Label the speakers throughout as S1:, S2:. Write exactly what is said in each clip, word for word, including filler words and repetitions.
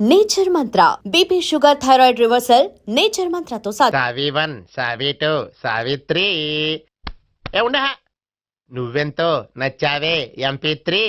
S1: Nature mantra BP sugar thyroid reversal nature మంత్రతో సాధ
S2: సావి వన్ సావి టూ సావిత్రి ఏ ఉండ నువ్వెంతో నచ్చావే ఎంపీ త్రీ.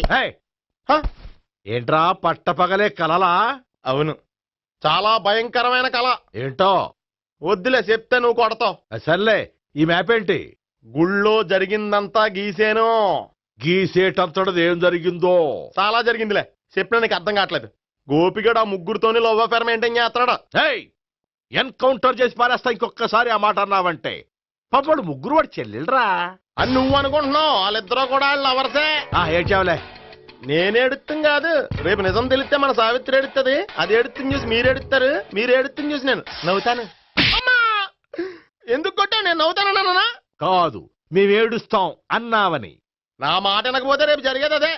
S3: ఏంట్రా పట్టపగలే కలలా?
S2: అవును, చాలా భయంకరమైన కళ.
S3: ఏంటో
S2: వద్దులే చెప్తే నువ్వు కొడతావు.
S3: సర్లే, ఈ మ్యాప్ ఏంటి?
S2: గుళ్ళో జరిగిందంతా గీసేను.
S3: గీసేటంతటది ఏం జరిగిందో?
S2: చాలా జరిగిందిలే, చెప్పినా నీకు అర్థం కావట్లేదు. గోపిగడు ఆ ముగ్గురుతోని లవ్ అఫేర్ మెయింటైన్ చేస్తున్నాడు.
S3: ఎన్కౌంటర్ చేసి పారేస్తా ఇంకొకసారి ఆ మాట అన్నావంటే. పాపడు ముగ్గురు వాడు చెల్లెలరా
S2: అని నువ్వు అనుకుంటున్నావు, వాళ్ళిద్దరూ కూడా లవర్సే.
S3: ఏడ్చావులే.
S2: నేనేడుతుంది కాదు, రేపు నిజం తెలిస్తే మన సావిత్రి ఎడుతుంది. అది ఎడుతుంది చూసి మీరు ఎడుతారు, మీరు ఎడుతుంది చూసి నేను నవ్వుతాను. ఎందుకు కొట్టా? నేను నవ్వుతానన్నా
S3: కాదు, మేమేడుస్తాం అన్నావని.
S2: నా మాట వినకపోతే రేపు జరిగేది అదే.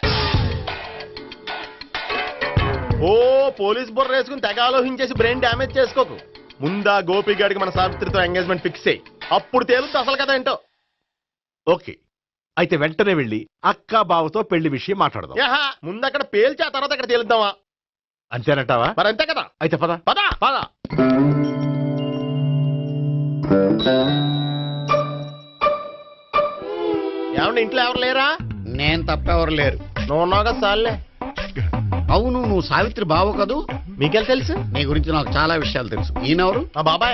S2: ఓ పోలీస్ బుర్ర వేసుకుని తెగ ఆలోచించేసి బ్రెయిన్ డ్యామేజ్ చేసుకోకు. ముందా గోపిగాడికి మన సావిత్రితో ఎంగేజ్మెంట్ ఫిక్స్ అయ్యి అప్పుడు తేలుతుంది అసలు కదా ఏంటో.
S3: ఓకే, అయితే వెంటనే వెళ్ళి అక్క బావతో పెళ్లి విషయం మాట్లాడదాం.
S2: యహా, ముందు అక్కడ పేల్చి ఆ తర్వాత అక్కడ తేలుద్దామా?
S3: అంతేనంటావా?
S2: మరి అంతే కదా.
S3: అయితే పద
S2: పద
S3: పద.
S2: ఏమండి, ఇంట్లో ఎవరు లేరా?
S4: నేను తప్పెవరు లేరు.
S2: నువ్వు ఉన్నావు కదా సార్లే.
S4: అవును, నువ్వు సావిత్రి బావు కదూ?
S2: మీకెళ్ళి తెలుసు?
S4: నీ గురించి నాకు చాలా విషయాలు తెలుసు. ఈయనెవరు?
S2: మా బాబాయ్.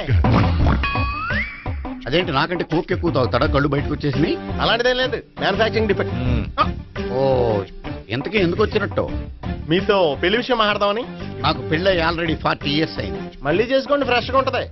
S4: అదేంటి నాకంటే కోక్ ఎక్కువ తాగుతాడా? కళ్ళు బయటకు వచ్చేసి.
S2: అలాంటిదేం లేదు, మ్యానుఫాక్చరింగ్ డిఫెక్ట్.
S4: ఓ, ఎంతకీ ఎందుకు వచ్చినట్టు?
S2: మీతో పెళ్లి విషయం మాట్లాడదామని.
S4: నాకు పెళ్ళి ఆల్రెడీ ఫార్టీ ఇయర్స్ అయింది.
S2: మళ్ళీ చేసుకోండి, ఫ్రెష్ గా ఉంటది.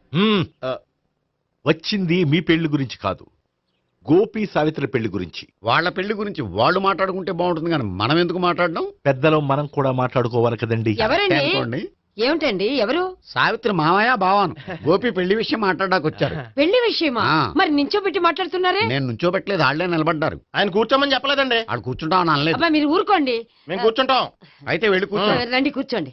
S3: వచ్చింది మీ పెళ్లి గురించి కాదు, గోపి సావిత్రి పెళ్లి గురించి.
S4: వాళ్ళ పెళ్లి గురించి వాళ్ళు మాట్లాడుకుంటే బాగుంటుంది, కానీ మనం ఎందుకు మాట్లాడడం?
S3: పెద్దలో మనం కూడా మాట్లాడుకోవాలి కదండి.
S5: ఎవరండి? ఏమిటండి? ఎవరు?
S4: సావిత్రి మామయ్య బావాను. గోపి పెళ్లి విషయం మాట్లాడడానికి వచ్చారు.
S5: పెళ్లి విషయమా?
S4: ఆ.
S5: మరి నించోబెట్టి మాట్లాడుతున్నారే?
S4: నేను నుంచోబెట్టలేదు, వాళ్ళే నిలబడ్డారు.
S2: ఆయన కూర్చోమని చెప్పలేదండి.
S4: వాళ్ళు కూర్చుంటామని అనలేదు.
S5: అబ్బా మీరు ఊరుకోండి.
S2: మేము కూర్చుంటాం.
S4: అయితే వెళ్ళి కూర్చో.
S5: రండి కూర్చోండి.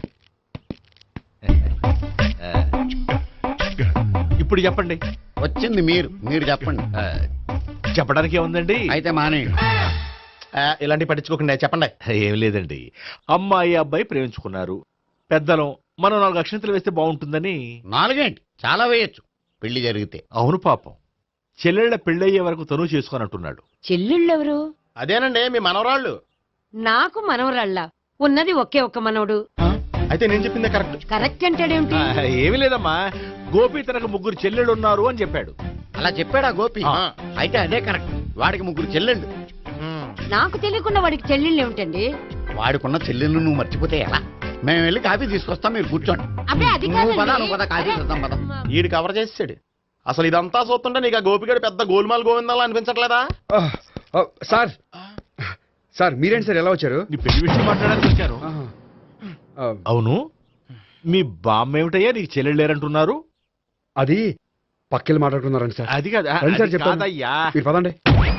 S3: ఇప్పుడు చెప్పండి.
S4: వచ్చింది మీరు, మీరు చెప్పండి.
S3: చెప్పడానికి ఏముందండి?
S4: అయితే మానేయండి.
S2: ఆ, ఇలాంటి పట్టించుకోకుండా చెప్పండి.
S3: ఏం లేదండి, అమ్మాయి అబ్బాయి ప్రేమించుకున్నారు. పెద్దలం మనం నాలుగు అక్షంతలు వేస్తే బాగుంటుందని.
S4: నాలుగేంటి, చాలా వేయచ్చు పెళ్లి జరిగితే.
S3: అవును పాపం, చెల్లెళ్ల పెళ్ళయ్యే వరకు తను చేసుకోనంటున్నాడు.
S5: చెల్లెళ్ళెవరు?
S2: అదేనండి మీ మనవరాళ్ళు.
S5: నాకు మనవరాళ్ళ ఉన్నది ఒకే ఒక్క మనవడు.
S2: అయితే నేను చెప్పిందే కరెక్ట్.
S5: కరెక్ట్ అంటాడేమిటి?
S3: ఆ, ఏమీ లేదమ్మా, గోపి తనకు ముగ్గురు చెల్లెళ్ళు ఉన్నారు అని చెప్పాడు.
S4: అలా చెప్పాడా గోపి?
S2: ఆ.
S4: అయితే అదే కరెక్ట్. వాడికి ముగ్గురు చెల్లెళ్ళు.
S5: నాకు తెలియకుండా వాడికి చెల్లెళ్ళు ఏమిటండి?
S4: వాడికున్న చెల్లెళ్ళు నువ్వు మర్చిపోతే ఎలా? మేము వెళ్ళి కాఫీ తీసుకొస్తాం, మీరు కూర్చోండి.
S5: అబ్బే అది
S4: నువ్వు పద,
S5: కాదండి.
S4: నువ్వు పద, కాఫీ చేద్దాం పద.
S2: ఈడు కవర్ చేసాడు. అసలు ఇదంతా చూస్తుంటే నీకు ఆ గోపిగడు పెద్ద గోల్మాల్ గోవిందాలు అనిపించట్లేదా?
S6: సార్ సార్ మీరేంటి సార్ ఎలా వచ్చారు?
S3: నీ పెళ్లి విషయం మాట్లాడడానికి వచ్చాను.
S6: ఆ,
S3: అవును, మీ బామ్మ ఏమిటయ్యా నీకు చెల్లెళ్ళు లేరంటున్నారు?
S6: అది పక్కెళ్ళి మాట్లాడుకున్నారండి సార్.
S3: అది కాదు,
S6: రండి సార్
S3: అది
S6: చెప్తాను.
S3: కాదయ్యా.
S6: మీరు పదండి.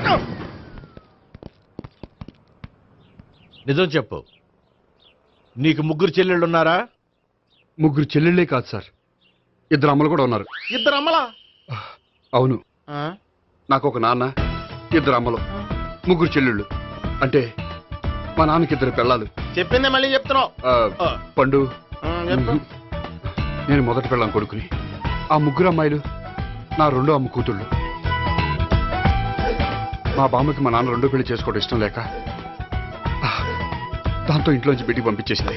S3: నిజం చెప్పు, నీకు ముగ్గురు చెల్లెళ్ళు ఉన్నారా?
S6: ముగ్గురు చెల్లెళ్ళే కాదు సార్, ఇద్దరు అమ్మలు కూడా ఉన్నారు.
S2: ఇద్దరు అమ్మలా?
S6: అవును,
S2: ఆ?
S6: నాకు ఒక నాన్న, ఇద్దరు అమ్మలు, ముగ్గురు చెల్లెళ్ళు. అంటే మా నాన్నకి ఇద్దరు పిల్లలు.
S2: చెప్పిందే మళ్ళీ చెప్తున్నావు.
S6: ఆ, పండు,
S2: ఉమ్, చెప్పు.
S6: నేను మొదటి పెళ్ళాం కొడుకుని. ఆ ముగ్గురు అమ్మాయిలు నా రెండో అమ్మ కూతుళ్ళు. మా బామ్మకి మా నాన్న రెండో పెళ్లి చేసుకోవడం ఇష్టం లేక ఆ, దాంతో ఇంట్లోంచి బిడ్డికి పంపించేసింది.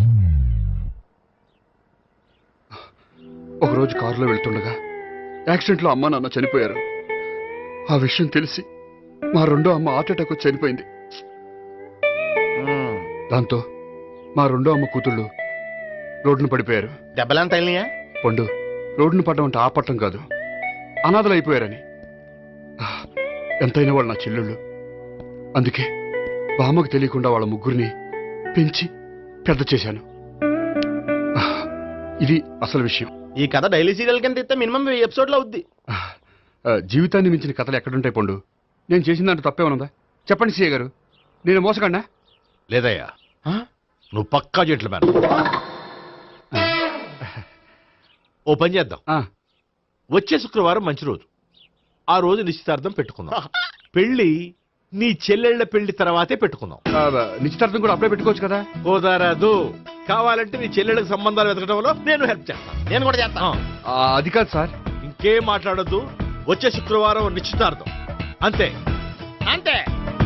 S6: ఒకరోజు కారులో వెళ్తుండగా యాక్సిడెంట్లో అమ్మ నాన్న చనిపోయారు. ఆ విషయం తెలిసి మా రెండో అమ్మ హార్ట్ అటాక్ వచ్చి చనిపోయింది.
S2: ఉమ్.
S6: దాంతో మా రెండో అమ్మ కూతుళ్ళు రోడ్డును పడిపోయారు.
S2: దెబ్బలేం తగిలినాయా?
S6: పండు, రోడ్డును పడ్డం అంటే ఆ పట్టం కాదు, అనాథలు అయిపోయారని. ఆ, ఎంతైనా వాళ్ళు నా చెల్లెళ్ళు. అందుకే బామ్మకు తెలియకుండా వాళ్ళ ముగ్గురిని పెంచి పెద్ద చేశాను. ఆ, ఇది అసలు విషయం.
S2: ఈ కథ డైలీ సీరియల్ కింద ఇస్తే మినిమం వెయ్యి ఎపిసోడ్లు అవుద్ది.
S6: ఆ, ఆ, జీవితాన్ని మించిన కథలు ఎక్కడుంటాయి పండు? నేను చేసిన దాంట్లో తప్పేమనుందా? చెప్పండి సీఏ గారు, నేను మోసకండా?
S3: లేదయ్యా,
S2: ఆ?
S3: నువ్వు పక్కా జెంట్లమ్యాన్. ఓ పని చేద్దాం,
S6: ఆ,
S3: వచ్చే శుక్రవారం మంచి రోజు, ఆ రోజు నిశ్చితార్థం పెట్టుకుందాం. పెళ్లి నీ చెల్లెళ్ళ పెళ్లి తర్వాతే పెట్టుకుందాం.
S6: ఆ, నిశ్చితార్థం కూడా అప్పుడే పెట్టుకోవచ్చు కదా.
S3: కుదరదు. కావాలంటే నీ చెల్లెళ్ళకి సంబంధాలు వెతకడంలో నేను హెల్ప్ చేస్తాను.
S2: నేను కూడా చేస్తాను.
S3: ఆ,
S6: ఆ, అది కాదు సార్.
S3: ఇంకేం మాట్లాడొద్దు. వచ్చే శుక్రవారం నిశ్చితార్థం అంతే.
S2: అంతే.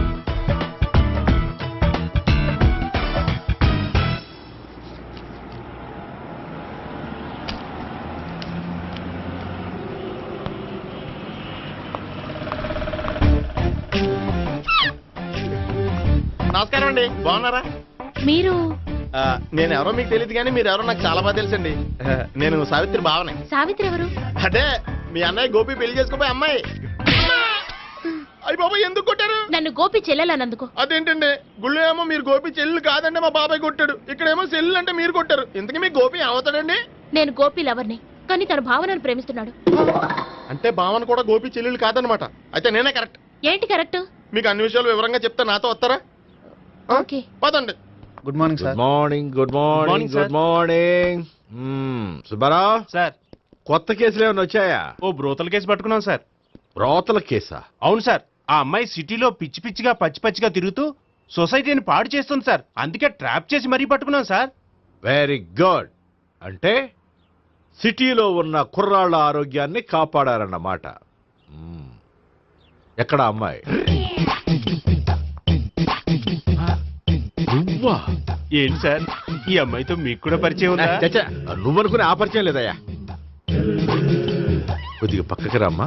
S2: నమస్కారం అండి, బాగున్నారా?
S7: మీరు
S2: ఆ, నేను ఎవరో మీకు తెలియదు కానీ మీరు ఎవరో నాకు చాలా బాగా తెలుసండి. ఆ, నేను సావిత్రి భావనే.
S7: సావిత్రి ఎవరు?
S2: అంటే మీ అన్నయ్య గోపి పెళ్లి చేసుకోపోయి అమ్మాయి. అయ్యి బాబాయ్ ఎందుకు కొట్టారు?
S7: నన్ను గోపి చెల్లెలన్నందుకు.
S2: అదేంటండి, గుళ్ళు ఏమో మీరు గోపి చెల్లు కాదంటే మా బాబాయ్ కొట్టాడు, ఇక్కడేమో చెల్లు అంటే మీరు కొట్టారు. ఇంతకీ మీ గోపి ఏమవుతాడండి?
S7: నేను గోపి లవర్ని, కానీ తన భావనను ప్రేమిస్తున్నాడు.
S2: అంటే భావన కూడా గోపి చెల్లెలు కాదనమాట. అయితే నేనే కరెక్ట్.
S7: ఏంటి కరెక్ట్?
S2: మీకు అన్ని విషయాలు వివరంగా చెప్తే నాతో వస్తారా?
S7: ఓకే.
S2: పదండి.
S8: Good morning
S3: good
S8: sir.
S3: Morning. Good morning.
S8: morning,
S3: good morning. Subbarao,
S8: sir
S3: కొత్త కేసులు ఏమైనా వచ్చాయా?
S8: ఓ బ్రోతల కేసు పట్టుకున్నాం సార్.
S3: రోతల కేసా?
S8: అవును సార్, ఆ అమ్మాయి సిటీలో పిచ్చి పిచ్చిగా పచ్చి పచ్చిగా తిరుగుతూ సొసైటీని పాడు చేస్తుంది సార్. అందుకే ట్రాప్ చేసి మరీ పట్టుకున్నాం సార్.
S3: Very good. అంటే సిటీలో ఉన్న కుర్రాళ్ళ ఆరోగ్యాన్ని కాపాడారన్నమాట. మ్మ్. ఎక్కడ అమ్మాయి? నువ్వా?
S8: ఏంటి సార్, ఈ అమ్మాయితో మీకు కూడా పరిచయం ఉందా?
S3: చచ్చా, నువ్వనుకునే ఆ పరిచయం లేదయ్యా. కొద్దిగా పక్కకి రామ్మా.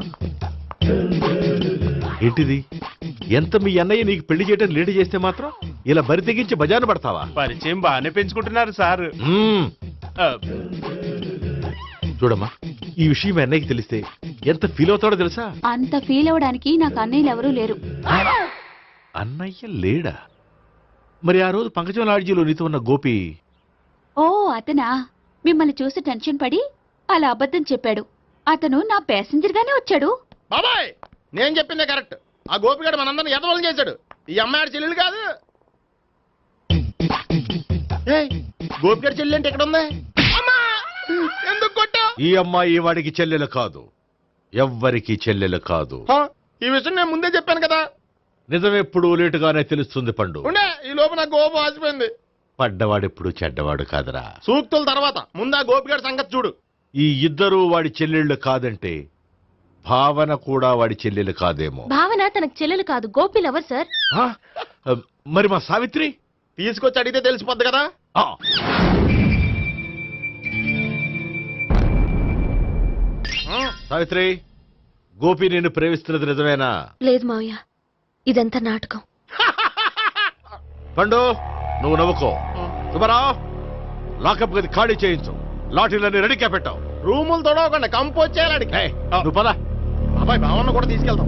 S3: ఏంటిది? ఎంత మీ అన్నయ్య నీకు పెళ్లి చేయడం లేట్ చేస్తే మాత్రం ఇలా బరి తెగించి బజారు పడతావా?
S8: పరిచయం బాగానే పెంచుకుంటున్నారు సార్.
S3: మ్మ్.
S8: ఆ,
S3: చూడమ్మా, ఈ విషయం మీ అన్నయ్యకి తెలిస్తే ఎంత ఫీల్ అవుతాడో తెలుసా?
S7: అంత ఫీల్ అవడానికి నాకు అన్నయ్యలు ఎవరూ లేరు.
S3: అన్నయ్య లేడా? మరి ఆ రోజు పంకజం లాడ్జీలో నీతో ఉన్న గోపి?
S7: ఓ అతనా? మిమ్మల్ని చూసి టెన్షన్ పడి అలా అబద్ధం చెప్పాడు. అతను నా ప్యాసింజర్ గానే వచ్చాడు.
S2: బాబాయ్ నేను చెప్పిందే కరెక్ట్. ఆ గోపిగాడు మనందరిని ఎదవలం చేశాడు. ఈ అమ్మాయి చెల్లెలు కాదు. ఏయ్, గోపిగాడి చెల్లి అంటే ఎక్కడ ఉంది? అమ్మా! ఎందుకు కొట్టా?
S3: ఈ అమ్మాయి వాడికి చెల్లెలు కాదు, ఎవ్వరికి చెల్లెలు కాదు.
S2: ఈ విషయం నేను ముందే చెప్పాను కదా.
S3: నిజమెప్పుడు లేటుగానే తెలుస్తుంది పండు.
S2: ఉండే ఈ లోపు నా గోపు ఆసిపోయింది.
S3: పడ్డవాడెప్పుడు చెడ్డవాడు కాదురా.
S2: సూక్తుల తర్వాత ముందు ఆ గోపిగాడి సంగతి చూడు.
S3: ఈ ఇద్దరూ వాడి చెల్లెళ్ళు కాదంటే భావన కూడా వాడి చెల్లెలు కాదేమో.
S7: భావన తనకు చెల్లెలు కాదు, గోపి లవర్ సార్.
S3: ఆ? మరి మా సావిత్రి?
S2: తీసుకొచ్చి అడిగితే తెలిసిపోద్ది కదా.
S3: ఆ. సావిత్రి, గోపి నేను ప్రేమిస్తున్నది నిజమేనా?
S7: లేదు మావయ్య, ఇదంతా నాటకం.
S3: పండు, నువ్వు నవ్వుకో. సుబ్బారావు, లాకప్ గది ఖాళీ చేయించు. లాఠీలన్నీ రెడీగా పెట్టావు.
S2: రూములు తొడవకుండా కంపోజ్ చేయాలి.
S3: ఏయ్, నువ్వు పద.
S2: అబ్బాయి భావన కూడా తీసుకెళ్తాం.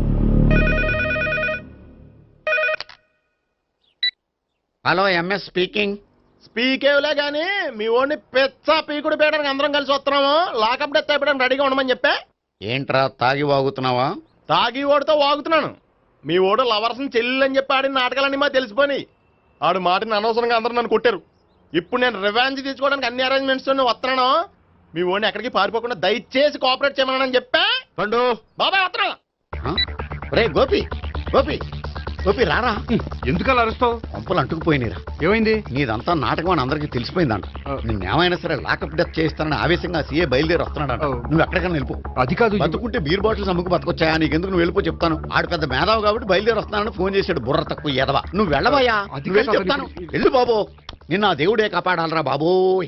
S4: Hello, MS speaking.
S2: స్పీకేవ్లే గానీ మీ ఓడిని పెచ్చ పీకుడు పేయడానికి అందరం కలిసి వస్తున్నాము. లాకప్ డెత్ అయిపోయడానికి రెడీగా ఉండమని చెప్పే.
S4: ఏంట్రా తాగి వాగుతున్నావా?
S2: తాగి ఓడితో వాగుతున్నాను. మీ ఓడు లవర్స్ని చెల్లెలని చెప్పి ఆడిన నాటకాలన్నీ మా తెలిసిపోయి ఆడు మాటని అనవసరంగా అందరూ నన్ను కొట్టారు. ఇప్పుడు నేను రివెంజ్ తీసుకోవడానికి అన్ని అరేంజ్మెంట్స్ వస్తున్నాను. మీ ఓడిని ఎక్కడికి పారిపోకుండా దయచేసి కోఆపరేట్ చేయమని చెప్పా.
S3: పండు,
S2: బాబాయ్ వస్తున్నా.
S4: రే గోపి, గోపి, గోపి రారా.
S6: ఎందుకలా అరుస్తావు?
S4: పంపులు అంటుకుపోయినరా.
S6: ఏమైంది?
S4: నీదంతా నాటకం అని అందరికీ తెలిసిపోయిందంట. నిన్నేమైనా సరే లాకప్ డెత్ చేస్తానని ఆవేశంగా సీఏ బయలుదేరి వస్తున్నాడంట.
S6: ఓ.
S4: నువ్వు ఎక్కడికైనా వెళ్ళిపో.
S6: అది కాదు.
S4: బతుకుంటే బీర్ బాటిల్స్ అమ్ముకు బతకొచ్చాయా? నీకెందుకు, నువ్వు వెళ్ళిపో చెప్తాను. ఆడు పెద్ద మేధావు కాబట్టి బయలుదేరి వస్తానని ఫోన్ చేశాడు. బుర్ర తక్కువ ఎదవా. నువ్వు వెళ్ళవయ్యా.
S6: అది
S4: నువ్వు వెళ్ళి
S6: కాదు,
S4: చెప్తాను.
S6: అది-
S4: వెళ్ళు బాబో, నిన్న ఆ దేవుడే కాపాడాలరా బాబోయ్.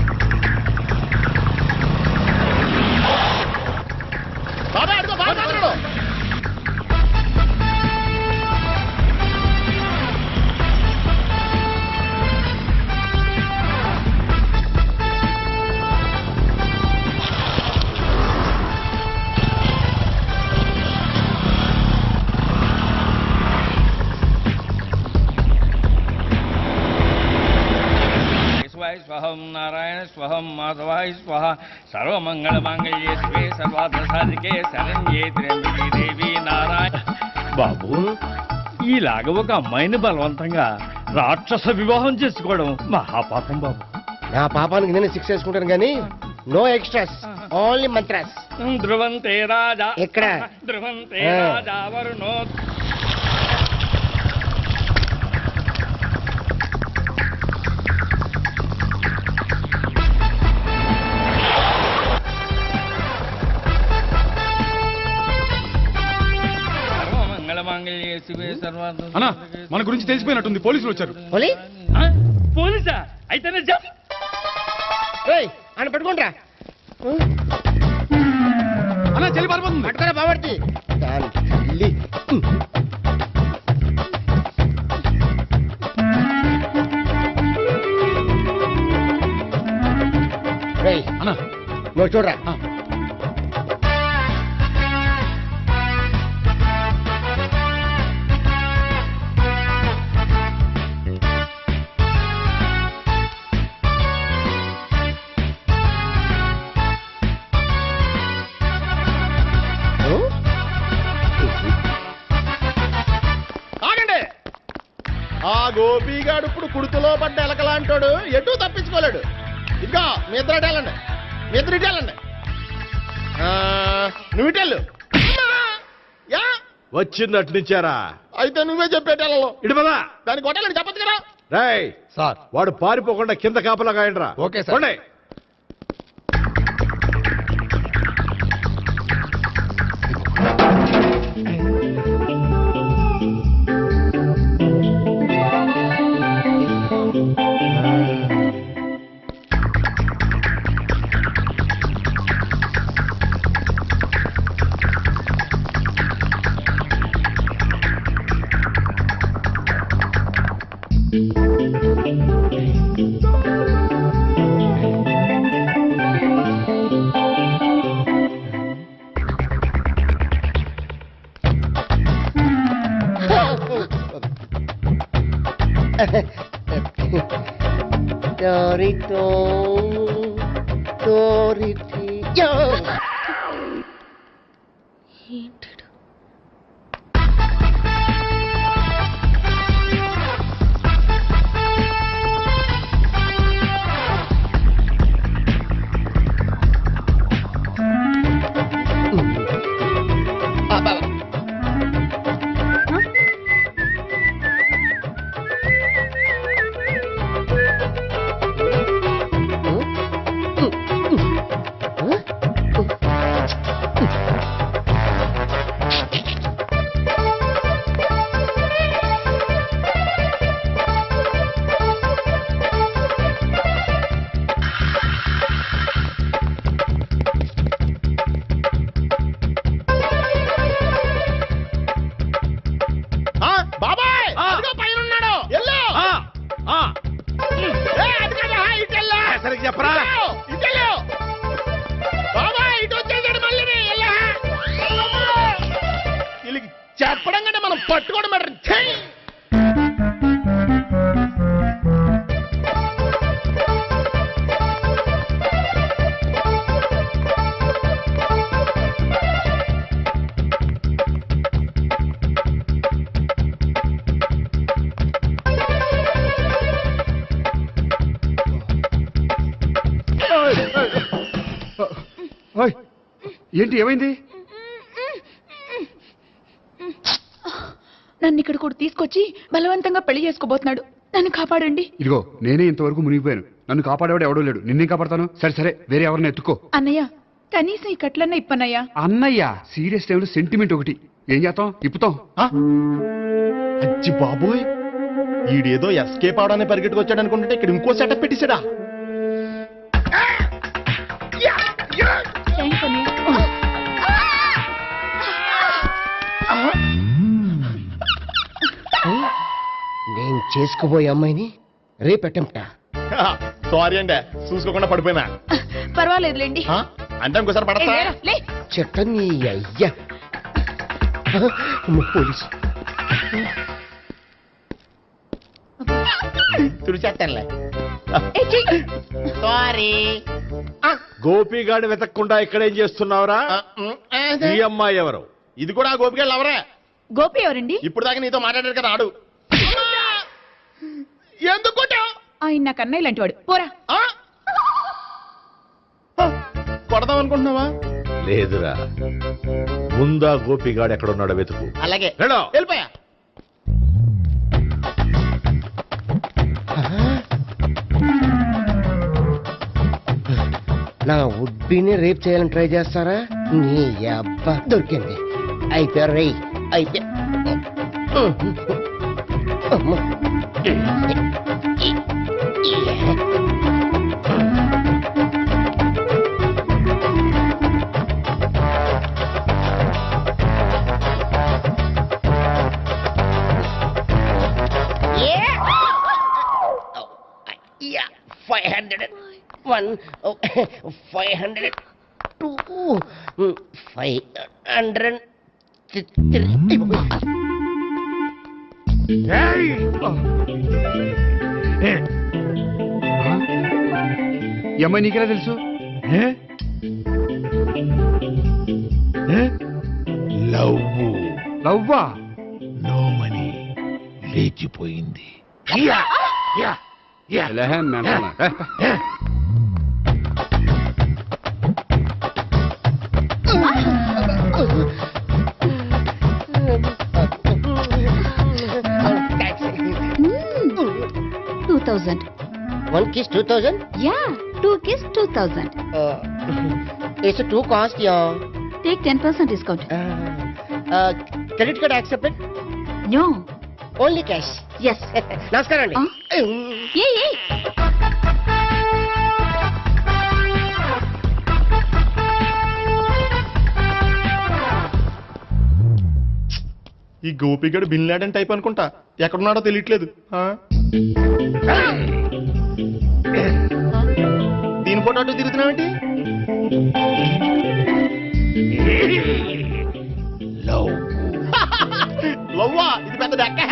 S2: బాబాయ్ అడుగు, బాబాయ్ అడుగు.
S9: స్వహం నారాయణ స్వహం మాధవాయ స్వహ సర్వమంగళ మాంగళ్యే శివే సర్వార్థ సాధికే శరణ్యే త్ర్యంబకే దేవి నారాయణ. బాబు, ఈలాగ ఒక అమ్మాయిని బలవంతంగా రాక్షస వివాహం చేసుకోవడం మహాపాపం బాబు.
S2: నా పాపానికి నేను శిక్ష వేసుకుంటాను కానీ నో ఎక్స్ట్రాస్, ఓన్లీ మంత్రాస్.
S9: ధ్రువంతే రాజా
S2: ఎక్కడ?
S9: ధ్రువంతే
S2: ఆ.
S9: రాజా వరుణో.
S6: అన్నా మన గురించి తెలిసిపోయినట్టుంది పోలీసులు వచ్చారు.
S9: పోలీసా అయితేనే జప్
S2: ఆయన పెట్టుకుంటా
S6: అన్నా చెల్లి పారిపోతుంది.
S2: పట్టుకురా బాబర్తి దాని తల్లి. రేయ్
S6: అన్నా
S2: నువ్వు చూడరా.
S6: ఆ.
S2: ఆగండి. ఆ గోపిగాడు ఇప్పుడు కుడుతులో పడ్డ ఎలకలాంటాడు, ఎటు తప్పించుకోలేడు. ఇంకా మీ ఇద్దరు ఇటు వెళ్ళండి, మీ ఇద్దరు ఇటు వెళ్ళండి. ఆ, నువ్వు ఇటు వెళ్ళు. యా
S3: వచ్చిందటు నుంచారా?
S2: అయితే నువ్వే చెప్పేటెళ్ళలో
S3: ఇటు పదా.
S2: దానికి కొట్టాలని చెప్పచ్చు కదా.
S3: రేయ్
S4: సార్
S3: వాడు పారిపోకుండా కింద కాపలా కాయండిరా.
S4: Okay sir.
S3: పోండి.
S2: Torito, Toriti, yo. బాబాయ్ అదిగో పైన ఉన్నాడు. ఎల్లో
S3: సరిగ్గా చెప్పరా?
S2: ఇటెల్లో బాబాయ్ ఇటు వచ్చేసాడు మళ్ళీ. వీళ్ళకి చెప్పడం కంటే మనం పట్టుకోవడం బెటర్. ఛీ!
S6: ఓయ్, ఏంటి ఏమైంది?
S7: నన్ను ఇక్కడ కూడా తీసుకొచ్చి బలవంతంగా పెళ్లి చేసుకోబోతున్నాడు. నన్ను కాపాడండి.
S6: ఇదిగో నేనే ఇంతవరకు మునిగిపోయాను. నన్ను కాపాడేవాడు ఎవడో లేడు. నిన్నే కాపాడతాను. సరే సరే వేరే ఎవరిని ఎత్తుకో.
S7: అన్నయ్య కనీసం ఈ కట్లన్న ఇప్పనయ్యా.
S6: అన్నయ్య సీరియస్ టైంలో సెంటిమెంట్ ఒకటి. ఏం చేస్తాం? ఇప్పుతాం.
S2: అచ్చి బాబోయ్, ఈడేదో ఎస్కేప్ అవడానికి పరిగెట్టుకొచ్చాడు అనుకుంటే ఇక్కడ ఇంకో సెటప్ పెట్టేశాడా?
S7: థ్యాంక్స్ అన్నయ్య.
S10: నేను చేసుకోబోయే అమ్మాయిని రేపెట్టంటా.
S2: సారీ అండి, చూసుకోకుండా పడిపోయినా.
S7: పర్వాలేదులేండి.
S2: ఆ? అంటే ఇంకోసారి పడతా.
S7: లే.
S10: చెట్ట నీ అయ్యా పోలీసు
S2: తుడిచేస్తానులే.
S7: ఏ, చెయ్యి.
S2: సారీ.
S3: గోపిగాడు వెతకకుండా ఇక్కడేం చేస్తున్నావురా? ఈ అమ్మాయి ఎవరు?
S2: ఇది కూడా గోపికెళ్ళి ఎవరే?
S7: గోపి ఎవరండి?
S2: ఇప్పుడు దాకా నీతో మాట్లాడారు కదా ఆడు. ఎందుకు కొట్టావ్?
S7: ఆయన నాకు అన్నయ్య లాంటి వాడు. పోరా.
S2: ఆ? కొడదాం అనుకుంటున్నావా?
S3: లేదురా, ముందా గోపిగాడు ఎక్కడున్నాడో వెతుకు.
S2: అలాగే
S3: వెళ్ళు.
S2: వెళ్ళిపోయా.
S10: నా ఉడ్బీని రేప్ చేయాలని ట్రై చేస్తారా? నీ అబ్బా దొరికింది. అయిపోయారు రేయ్. అయిపోయా అమ్మ. Five hundred one five hundred two five hundred three
S6: ఈ అమ్మాయి నీకెలా తెలుసు లవ్వా
S3: నోమని లేచిపోయింది.
S6: ఎలాహే మెంటనా? ఏ,
S7: two thousand
S10: one kiss two thousand
S7: yeah two kiss two thousand
S10: it's too cost yeah
S7: take ten percent discount
S10: credit card accepted
S7: no
S10: only cash
S7: yes
S10: నమస్కారం అండి
S7: ఏ ఏ
S2: ఈ గోపిగడు బిన్ లాడెన్ టైప్ అనుకుంటా, ఎక్కడున్నాడో తెలియట్లేదు. ఆ? దీని ఫోటో అటు తిరుగుతున్నావేంటి? లవ్వా ఇది పెద్ద డెక్క.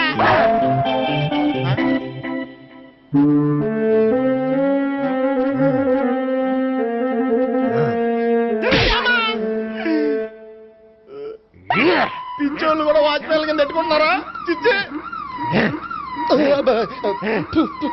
S2: పింఛోళ్ళు కూడా వాచ్మెన్ కింద పెట్టుకుంటున్నారా? చిచ్చే